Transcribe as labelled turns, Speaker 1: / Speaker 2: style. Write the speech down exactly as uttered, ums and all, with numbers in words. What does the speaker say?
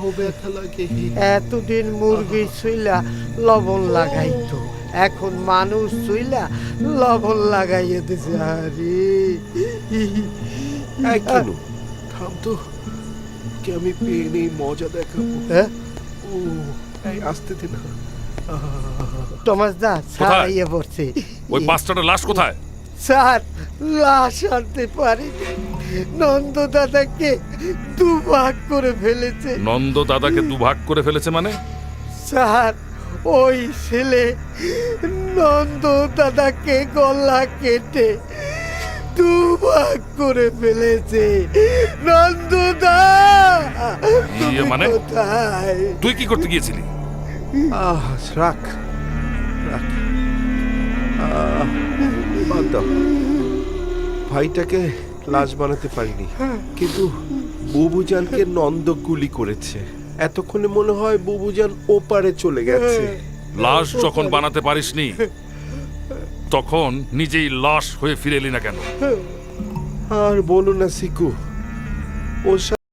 Speaker 1: পাও ব্যথা লাগে।
Speaker 2: এতদিন মুরগি ছুইলা লবণ লাগাইতো, এখন মানুষ ছুইলা লবণ লাগাইয়ে দিছে। আরে
Speaker 1: এই কেন থাম তো, কে আমি পেয়ে নেই মজা দেখাবো।
Speaker 2: হ্যাঁ?
Speaker 1: ও এই আসতে দে না।
Speaker 2: টমাস দা ছাড়াইয়ে পড়ছে।
Speaker 3: ওই বাচ্চাটা লাশ কোথায়?
Speaker 2: স্যার, লাশ আনতে পারি, নন্দ দাদাকে দুভাগ করে ফেলেছে।
Speaker 3: নন্দ দাদাকে দুভাগ করে ফেলেছে মানে?
Speaker 2: স্যার, ওই ছেলে নন্দ দাদাকে গলা কেটে দুভাগ করে ফেলেছে। নন্দদা তুমি
Speaker 3: মানে?
Speaker 2: কোথায়?
Speaker 3: তুই কি করতে গিয়েছিলি?
Speaker 1: আহ রাখ রাখ, আহ, বাদ দাও। ভাইটাকে লাশ বানাতে পারিনি, কিন্তু বুবুজানকে নন্দ গুলি করেছে। এতক্ষণে মনে হয় বুবুজান ওপারে চলে গেছে।
Speaker 3: লাশ যখন বানাতে পারিসনি তখন নিজেই লাশ হয়ে ফিরে এলি না কেন?
Speaker 1: আর বলো না সিকু, ওর